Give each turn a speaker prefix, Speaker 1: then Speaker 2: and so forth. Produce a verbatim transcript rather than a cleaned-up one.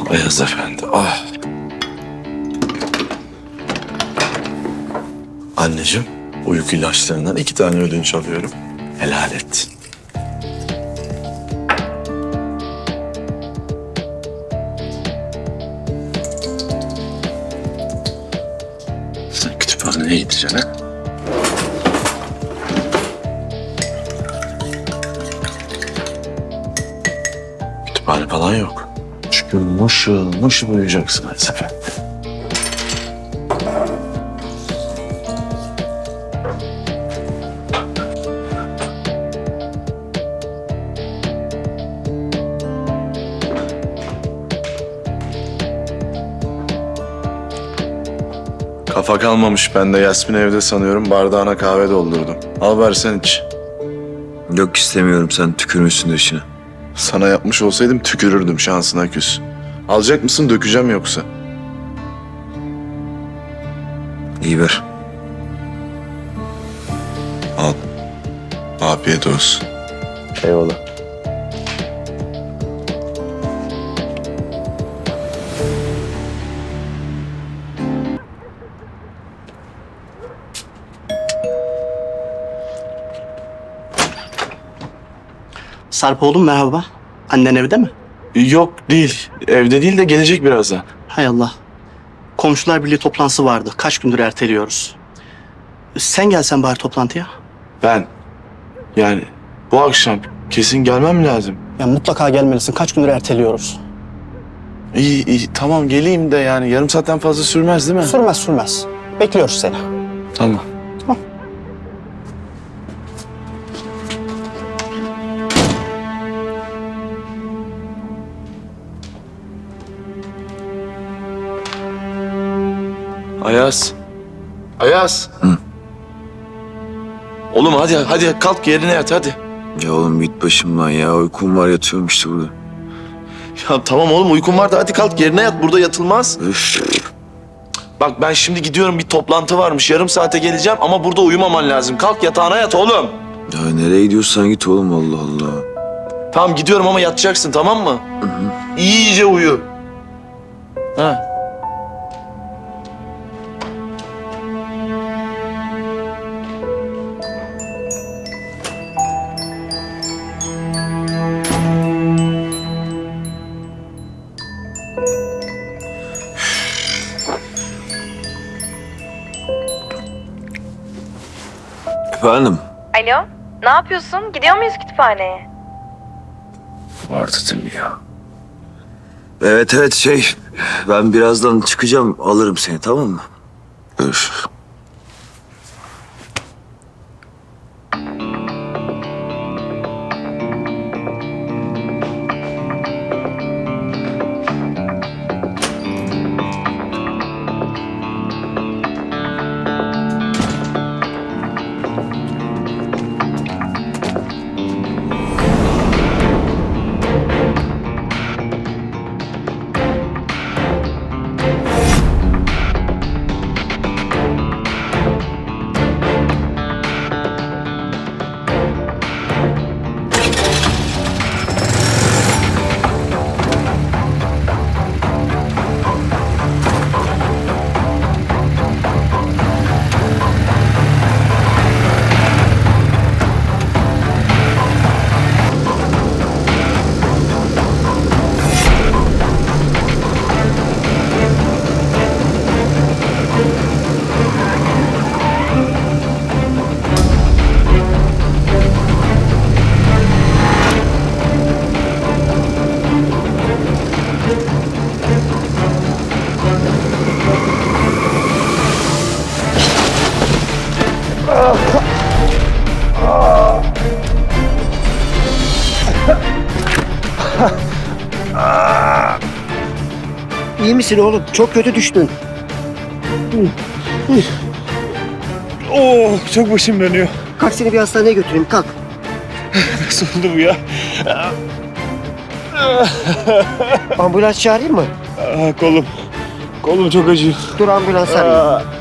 Speaker 1: Beyaz Efendi. Ah. Anneciğim, uyku ilaçlarından iki tane ödünç alıyorum. Helal et. Sen kütüphaneye gideceksin ha? Kütüphane falan yok. Çünkü mışıl mışıl uyuyacaksın her sefer. Kafa kalmamış. Ben de Yasmin evde sanıyorum. Bardağına kahve doldurdum. Al versen iç.
Speaker 2: Yok istemiyorum, sen tükürmüşsün dışına.
Speaker 1: Sana yapmış olsaydım tükürürdüm, şansına küs. Alacak mısın, dökeceğim yoksa?
Speaker 2: İyi ver.
Speaker 1: Al. Afiyet olsun.
Speaker 2: Eyvallah.
Speaker 3: Sarp oğlum merhaba. Annen evde mi?
Speaker 1: Yok değil. Evde değil de gelecek birazdan.
Speaker 3: Hay Allah. Komşular Birliği toplantısı vardı. Kaç gündür erteliyoruz. Sen gelsen bari toplantıya.
Speaker 1: Ben yani bu akşam kesin gelmem lazım.
Speaker 3: Ya mutlaka gelmelisin. Kaç gündür erteliyoruz.
Speaker 1: İyi iyi tamam geleyim de yani yarım saatten fazla sürmez değil mi?
Speaker 3: Sürmez sürmez. Bekliyoruz seni.
Speaker 1: Tamam.
Speaker 3: Tamam.
Speaker 1: Ayaz. Ayaz.
Speaker 2: Hı.
Speaker 1: Oğlum hadi hadi kalk yerine yat hadi.
Speaker 2: Ya oğlum git başımdan ya, uykum var, yatıyorum işte burada.
Speaker 1: Ya tamam oğlum uykun var da hadi kalk yerine yat, burada yatılmaz.
Speaker 2: Üf.
Speaker 1: Bak ben şimdi gidiyorum, bir toplantı varmış, yarım saate geleceğim ama burada uyumaman lazım. Kalk yatağına yat oğlum.
Speaker 2: Ya nereye gidiyorsan git oğlum, Allah Allah.
Speaker 1: Tamam gidiyorum ama yatacaksın, tamam mı?
Speaker 2: Hı hı.
Speaker 1: İyice uyu. Ha.
Speaker 2: Efendim?
Speaker 4: Alo, ne yapıyorsun? Gidiyor muyuz kütüphaneye?
Speaker 2: Var dedim ya. Evet evet şey, ben birazdan çıkacağım, alırım seni, tamam mı? Öf.
Speaker 5: İyi misin oğlum? Çok kötü düştün.
Speaker 6: Oh, çok başım dönüyor.
Speaker 5: Kalk seni bir hastaneye götüreyim. Kalk.
Speaker 6: Nasıl oldu bu ya?
Speaker 5: Ambulans çağırayım mı?
Speaker 6: Aa, kolum. Kolum çok acıyor.
Speaker 5: Dur ambulans arayayım.
Speaker 6: Aa,